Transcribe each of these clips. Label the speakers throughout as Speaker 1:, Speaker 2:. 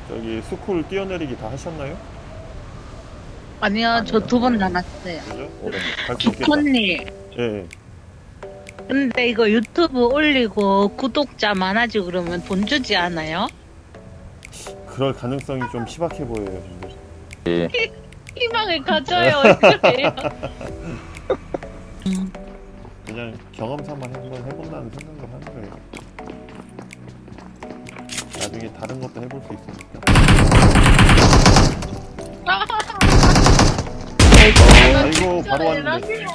Speaker 1: 저기 스쿨 뛰어내리기 다 하셨나요?
Speaker 2: 아니요, 저 2번 남았어요.
Speaker 1: 그죠? 갈 수 있겠다.
Speaker 2: 코님,
Speaker 1: 예, 예.
Speaker 2: 근데 이거 유튜브 올리고 구독자 많아지고 그러면 돈 주지 않아요?
Speaker 1: 그럴 가능성이 좀 희박해 보여요. 근데.
Speaker 3: 예.
Speaker 2: 희망을 가져요, 얼굴에요.
Speaker 1: 그냥 경험 삼아 한번 해본다는 생각을 하는 거예요. 나중에 다른 것도 해볼 수 있으니까. 아이고 바로 왔는데.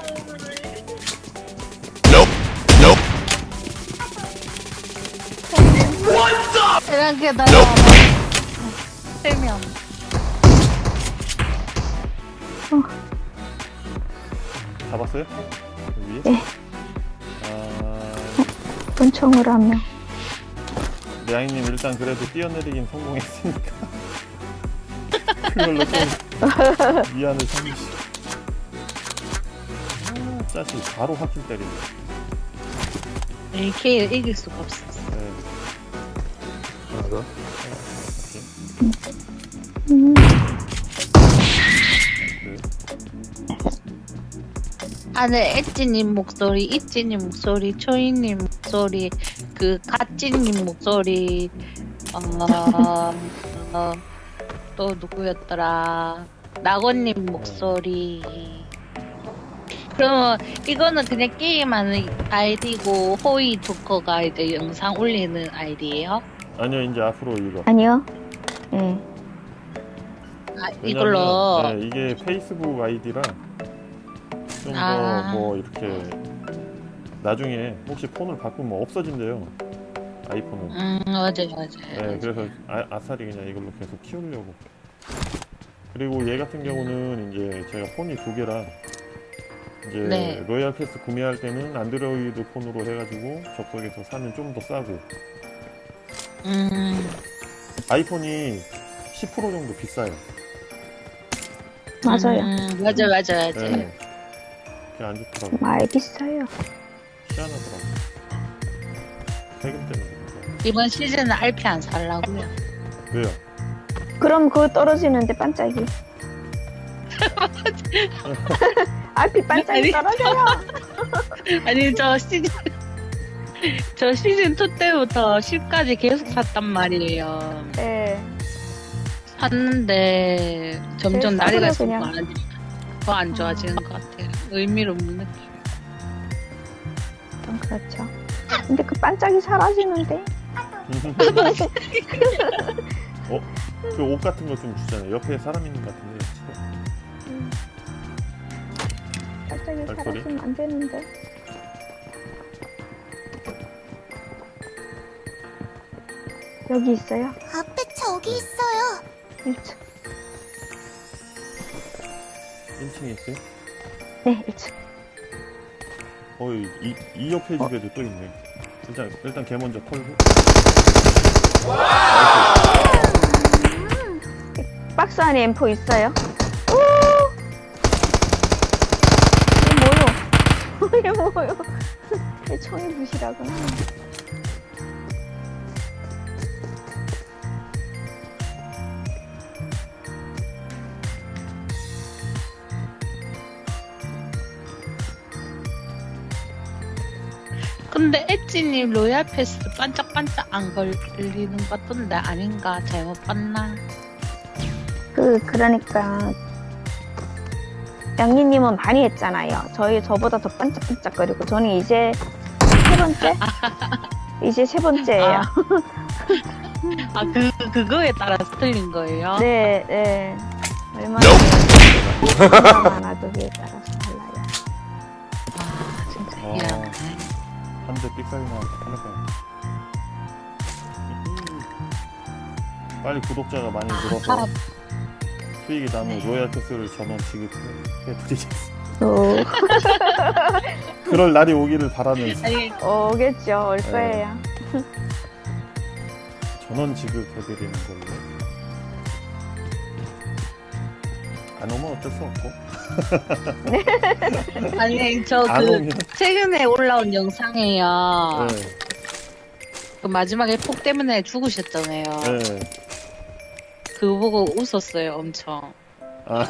Speaker 2: 이렇게 날아와. 3명.
Speaker 1: 잡았어요? 위에?
Speaker 4: 네.
Speaker 1: 아,
Speaker 4: 권총으로 한 명.
Speaker 1: 레아이님 일단 그래도 뛰어내리긴 성공했으니까 그걸로 좀 위안을 삼으시. 아, 짜식 바로 확킬 때리네.
Speaker 2: AK를 이길 수가 없었어.
Speaker 1: 네.
Speaker 3: 하나 더.
Speaker 2: 안에 엣지님 목소리, 이찌님 목소리, 초이님 목소리, 그 가찌님 목소리, 또 누구였더라? 낙원님 목소리. 그러면 이거는 그냥 게임하는 아이디고 호이 조커가 이제 영상 올리는 아이디예요?
Speaker 1: 아니요, 이제 앞으로 이거.
Speaker 4: 아니요. 예.
Speaker 2: 아,
Speaker 1: 왜냐면,
Speaker 2: 이걸로.
Speaker 1: 네, 이게 페이스북 아이디라 좀 더
Speaker 2: 아.
Speaker 1: 뭐 이렇게 나중에 혹시 폰을 바꾸면 없어진대요. 아이폰은.
Speaker 2: 맞아요.
Speaker 1: 네, 그래서 아싸리 그냥 이걸로 계속 키우려고. 그리고 얘 같은 경우는 이제 제가 폰이 2개라 이제
Speaker 2: 네.
Speaker 1: 로얄 패스 구매할 때는 안드로이드 폰으로 해가지고 접속해서 사면 좀 더 싸고, 아이폰이 10% 정도 비싸요.
Speaker 4: 맞아요.
Speaker 2: 맞아요.
Speaker 1: 네. 그게 안 좋더라고.
Speaker 4: 많이 비싸요.
Speaker 1: 희한하더라고. 세금 때문에. 그런가.
Speaker 2: 이번 시즌은 RP 안 살라고요.
Speaker 1: 왜요?
Speaker 4: 그럼 그거 떨어지는데 반짝이. RP 반짝이 떨어져요.
Speaker 2: 아니 저 시즌 2 때부터 10까지 계속 샀단 말이에요.
Speaker 4: 네.
Speaker 2: 샀는데 점점
Speaker 4: 제일
Speaker 2: 날이
Speaker 4: 싸구려
Speaker 2: 갈수록
Speaker 4: 그냥.
Speaker 2: 더 안 좋아지는 것 같아요. 의미를 못 느껴.
Speaker 4: 좀 그렇죠. 근데 그 반짝이 사라지는데.
Speaker 1: 그 옷 같은 거 좀 주잖아요. 옆에 사람 있는 것 같은데.
Speaker 4: 반짝이
Speaker 1: 발소리?
Speaker 4: 사라지면 안 되는데. 여기 있어요.
Speaker 5: 앞에 저기 있어요.
Speaker 4: 1층.
Speaker 1: 1층에 있어요?
Speaker 4: 네, 1층.
Speaker 1: 이 옆에 집에도 또 있네. 일단 걔 먼저 털고.
Speaker 4: 박스 안에 M4 있어요. 오! 이게 뭐요? 이게 뭐요? 내 총이 부시라구나.
Speaker 2: 근데 엣지님 로얄 패스 반짝반짝 안 걸리는 것 같던데 아닌가? 잘못 봤나?
Speaker 4: 그러니까 양니님은 많이 했잖아요. 저보다 더 반짝반짝거리고 저는 이제 3번째? 이제 3번째예요.
Speaker 2: 그거에 따라서 틀린 거예요?
Speaker 4: 네, 네. 얼마나 많아도 그에 따라서 달라요.
Speaker 2: 진짜
Speaker 1: 어.
Speaker 2: 미안해.
Speaker 1: 한 대 삑사리 나와서 하나까지. 빨리 구독자가 많이 늘어서 수익이 남은 로얄 패스를 전원 지급해드리겠습니다.
Speaker 4: 오,
Speaker 1: 그럴 날이 오기를 바라면서
Speaker 2: 아니,
Speaker 4: 오겠죠. 올
Speaker 1: 네.
Speaker 4: 거예요.
Speaker 1: 전원 지급해드리는 걸로. 안 오면 어쩔 수 없고.
Speaker 2: 아니 저
Speaker 1: 안 오면.
Speaker 2: 최근에 올라온 영상에요.
Speaker 1: 네.
Speaker 2: 그 마지막에 폭 때문에 죽으셨잖아요.
Speaker 1: 네.
Speaker 2: 그거 보고 웃었어요, 엄청.
Speaker 1: 아,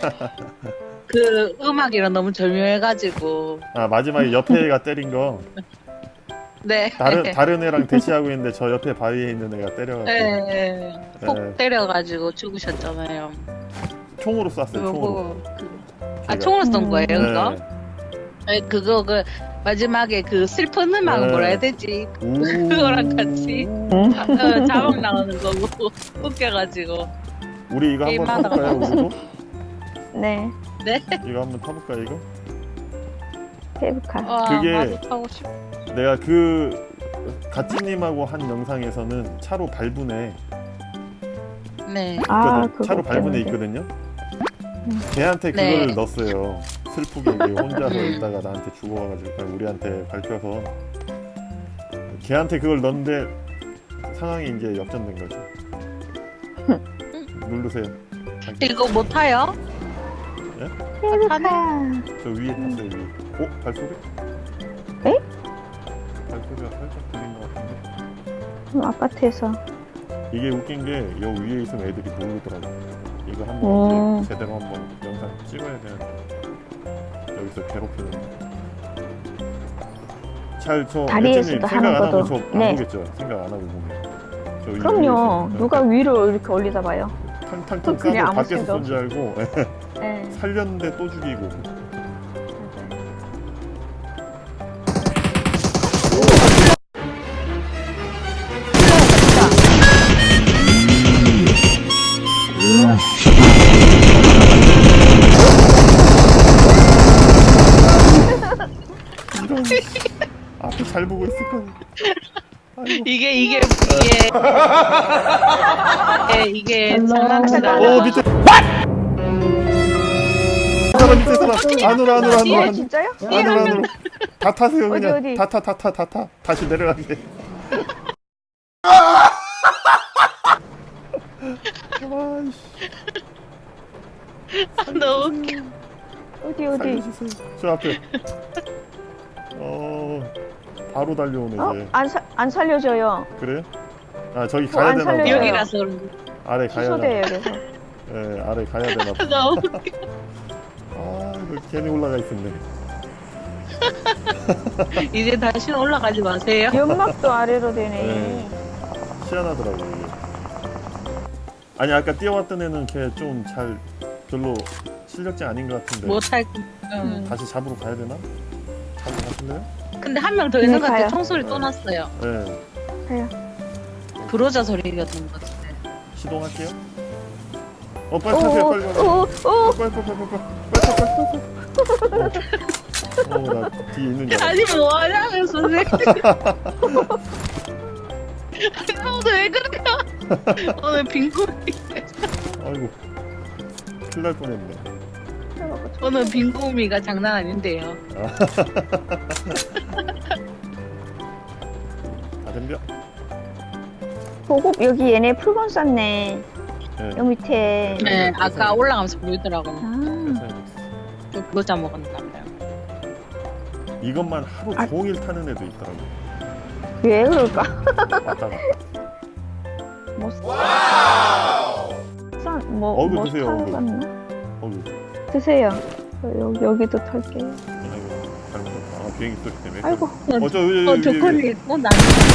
Speaker 2: 그 음악이랑 너무 절묘해가지고.
Speaker 1: 아 마지막에 옆에 애가 때린 거
Speaker 2: 네.
Speaker 1: 다른 애랑 대치하고 있는데 저 옆에 바위에 있는 애가 때려가지고
Speaker 2: 네. 폭
Speaker 1: 네.
Speaker 2: 때려가지고 죽으셨잖아요.
Speaker 1: 총으로 쐈어요.
Speaker 2: 그거
Speaker 1: 총으로.
Speaker 2: 보고. 아,
Speaker 1: 제가.
Speaker 2: 총으로 쏜 거예요, 그거?
Speaker 1: 네.
Speaker 2: 네, 그거 그 마지막에 그 슬픈 음악
Speaker 1: 네.
Speaker 2: 뭐라 해야 되지?
Speaker 1: 우.
Speaker 2: 그거랑 같이 자막 나오는 거고 웃겨가지고.
Speaker 1: 우리 이거 한번
Speaker 2: 게임하다가
Speaker 1: 타볼까요? 우리도?
Speaker 4: 네.
Speaker 1: 이거 한번 타볼까 이거?
Speaker 4: 케이블카.
Speaker 2: 와,
Speaker 1: 그게-
Speaker 2: 나도 타고 싶어.
Speaker 1: 내가 그 가찌님하고 한 영상에서는 차로 밟은 애
Speaker 2: 네.
Speaker 4: 아,
Speaker 1: 있거든. 차로
Speaker 4: 그거
Speaker 1: 밟은 애
Speaker 4: 때문에.
Speaker 1: 있거든요. 걔한테
Speaker 2: 네.
Speaker 1: 그거를 넣었어요. 슬프게 이게 혼자서 있다가 나한테 죽어가지고 그냥 우리한테 밟혀서 걔한테 그걸 넣었는데 상황이 이제 역전된 거죠. 누르세요.
Speaker 2: 이거 못 타요?
Speaker 4: 케이블카.
Speaker 1: 저 위에 탔어요 위에. 어? 발소리?
Speaker 4: 에?
Speaker 1: 발소리가 살짝 들린 것 같은데.
Speaker 4: 아파트에서.
Speaker 1: 이게 웃긴 게 여 위에 있으면 애들이 모르더라고. 이거 한번
Speaker 4: 음.
Speaker 1: 이제 제대로 한번 영상 찍어야 되는데 여기서 괴롭히는. 잘저
Speaker 4: 다리에서도
Speaker 1: 생각 안
Speaker 4: 하는
Speaker 1: 하고
Speaker 4: 것도.
Speaker 1: 저안
Speaker 4: 네.
Speaker 1: 보겠죠? 생각 안 하고 보면. 저
Speaker 4: 그럼요.
Speaker 1: 위에
Speaker 4: 누가 위로 이렇게 올리다 봐요.
Speaker 1: 탕탕탕
Speaker 4: 그냥
Speaker 1: 싸고
Speaker 4: 아무
Speaker 1: 밖에서
Speaker 4: 생각
Speaker 1: 쏜 줄 알고
Speaker 4: 네.
Speaker 1: 살렸는데 또 죽이고. 이런 앞에 잘 보고 있을 거야. 아이고.
Speaker 2: 이게 장난치다.
Speaker 1: 오 밑에. 사람 밑에 사람 안으로
Speaker 4: 예, 진짜요?
Speaker 1: 안으로 다 타세요 그냥
Speaker 4: 어디?
Speaker 1: 다 타 다시 내려가게. 아이씨
Speaker 2: 너무 웃겨.
Speaker 4: 어디?
Speaker 1: 살려주세요. 저 앞에 바로 달려오네 이제.
Speaker 4: 안 살려줘요.
Speaker 1: 그래요? 아 저기
Speaker 4: 안
Speaker 1: 가야 되나 봐.
Speaker 4: 살려줘요.
Speaker 2: 여기라서 그런지.
Speaker 1: 아래 가야
Speaker 4: 취소돼요,
Speaker 1: 되나.
Speaker 4: 그래서.
Speaker 1: 예 아래 가야 되나 봐.
Speaker 2: 너무 웃겨.
Speaker 1: 아 이거 괜히 올라가 있었네.
Speaker 2: 이제 다시는 올라가지 마세요.
Speaker 4: 연막도 아래로 되네.
Speaker 1: 네. 희한하더라고 이게. 아니 아까 뛰어왔던 애는 걔 좀 잘 별로 실력자 아닌 것 같은데
Speaker 2: 못할.
Speaker 1: 다시 잡으러 가야 되나? 잡으러 가실래요?
Speaker 2: 근데 한 명 더 있는
Speaker 4: 네,
Speaker 2: 것 같아.
Speaker 4: 가요.
Speaker 2: 총소리 또 났어요.
Speaker 1: 네
Speaker 4: 가요.
Speaker 2: 브로자 소리였던 것 같은데.
Speaker 1: 시동할게요. 빨리 타세요 빨리 나 뒤에 있는 줄 알았어.
Speaker 2: 아니 뭐 하냐면 선생님. 오늘 왜 그래요? 오늘 빈구미.
Speaker 1: 아이고 큰일 날 뻔했네.
Speaker 2: 오늘 빈구미가 장난 아닌데요.
Speaker 1: 다 덤벼.
Speaker 4: 보급 여기 얘네 풀건 쌌네.
Speaker 1: 네.
Speaker 4: 여기 밑에.
Speaker 2: 네, 아까 올라가면서 보이더라고요.
Speaker 4: 아,
Speaker 2: 좀 브로자 먹었나 봐요.
Speaker 1: 이것만 하루
Speaker 4: 아.
Speaker 1: 종일 타는 애도 있더라고.
Speaker 4: 왜 그럴까?
Speaker 1: 왔다 갔다.
Speaker 4: 뭐 뭐
Speaker 1: 드세요, 어구.
Speaker 4: 쌌나?
Speaker 1: 어우
Speaker 4: 드세요. 여기도 털게요.
Speaker 1: 아이고 잘못했다. 아 비행기 소리 때문에.
Speaker 4: 아이고.
Speaker 2: 조건이 나.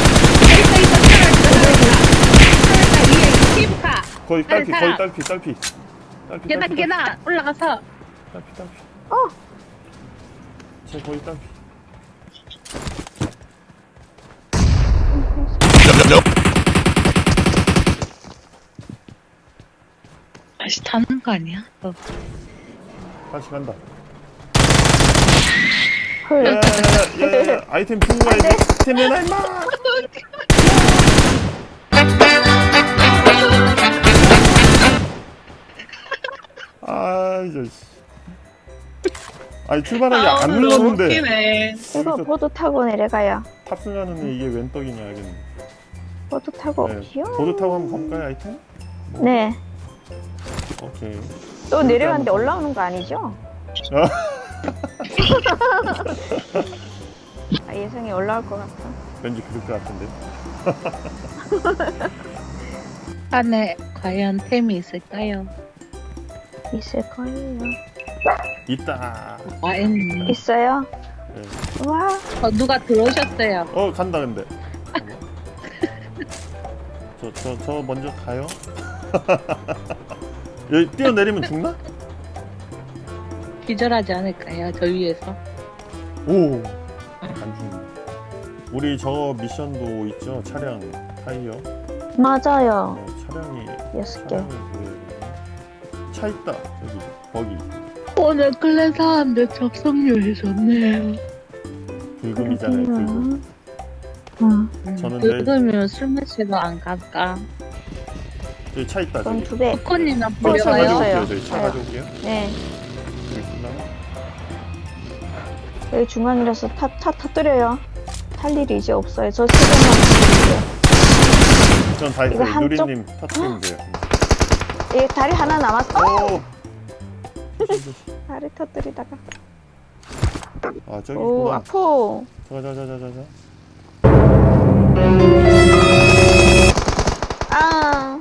Speaker 2: 있다. 피부카.
Speaker 1: 거의 딸피
Speaker 2: 빨리
Speaker 1: 거의
Speaker 2: 타라.
Speaker 1: 딸피.
Speaker 2: 계단 올라가서.
Speaker 1: 딸피.
Speaker 4: 어.
Speaker 1: 쟤 거의 딸피.
Speaker 2: 다시 타는 거 아니야?
Speaker 1: 다시 간다.
Speaker 4: 헐.
Speaker 1: 야야야야 아이템 주고 가야 돼. 아이템 내놔 임마. 아 이제. 아니 출발하기 안 눌렀는데
Speaker 2: 웃기네.
Speaker 4: 이거
Speaker 1: 여기서
Speaker 4: 보드 타고 내려가요.
Speaker 1: 탑승하는 애 이게 웬 떡이냐 알겠네.
Speaker 4: 보드 타고.
Speaker 1: 네.
Speaker 4: 귀여워.
Speaker 1: 보드 타고 한번 가볼까요 아이템?
Speaker 4: 네.
Speaker 1: 오케이.
Speaker 4: 또 내려갔는데
Speaker 1: 한번
Speaker 4: 올라오는 거 아니죠? 아, 예상이 올라올 것 같아.
Speaker 1: 왠지 그럴 것 같은데.
Speaker 2: 안에 과연 템이 있을까요?
Speaker 4: 있을 거예요.
Speaker 1: 있다.
Speaker 2: 와인.
Speaker 4: 있어요?
Speaker 1: 네.
Speaker 4: 와,
Speaker 2: 누가 들어오셨어요?
Speaker 1: 간다 근데. 저 먼저 가요. 여기 뛰어내리면 죽나?
Speaker 2: 기절하지 않을까요? 저 위에서.
Speaker 1: 오. 안 죽네. 우리 저 미션도 있죠. 차량 타이어.
Speaker 4: 맞아요.
Speaker 1: 차량이
Speaker 4: 6개.
Speaker 1: 보여요. 차 있다. 저기 거기
Speaker 2: 오늘 클래스하는데 접속률이 좋네요.
Speaker 1: 불금이잖아요. 불금. 저는 내일
Speaker 2: 그러면 술 마시러 안 갈까?
Speaker 1: 여기 차 있다.
Speaker 4: 그럼
Speaker 1: 저기.
Speaker 4: 2배.
Speaker 2: 코코님이나
Speaker 1: 차
Speaker 2: 보려고요?
Speaker 4: 있어요.
Speaker 1: 저기 차
Speaker 4: 네.
Speaker 1: 가져올게요.
Speaker 4: 네.
Speaker 1: 여기 있을라나?
Speaker 4: 여기 중앙이라서 타 터뜨려요. 탈 일이 이제 없어요. 저 세번만 터뜨릴게요.
Speaker 1: 전다
Speaker 4: 이거
Speaker 1: 있어요.
Speaker 4: 한쪽?
Speaker 1: 누리님 터트리면 돼요.
Speaker 4: 이 다리 하나 남았어.
Speaker 1: 오.
Speaker 4: 다리 터뜨리다가.
Speaker 1: 아 저기
Speaker 4: 오,
Speaker 1: 있구나.
Speaker 4: 아프.
Speaker 1: 자자자자자.
Speaker 4: 아.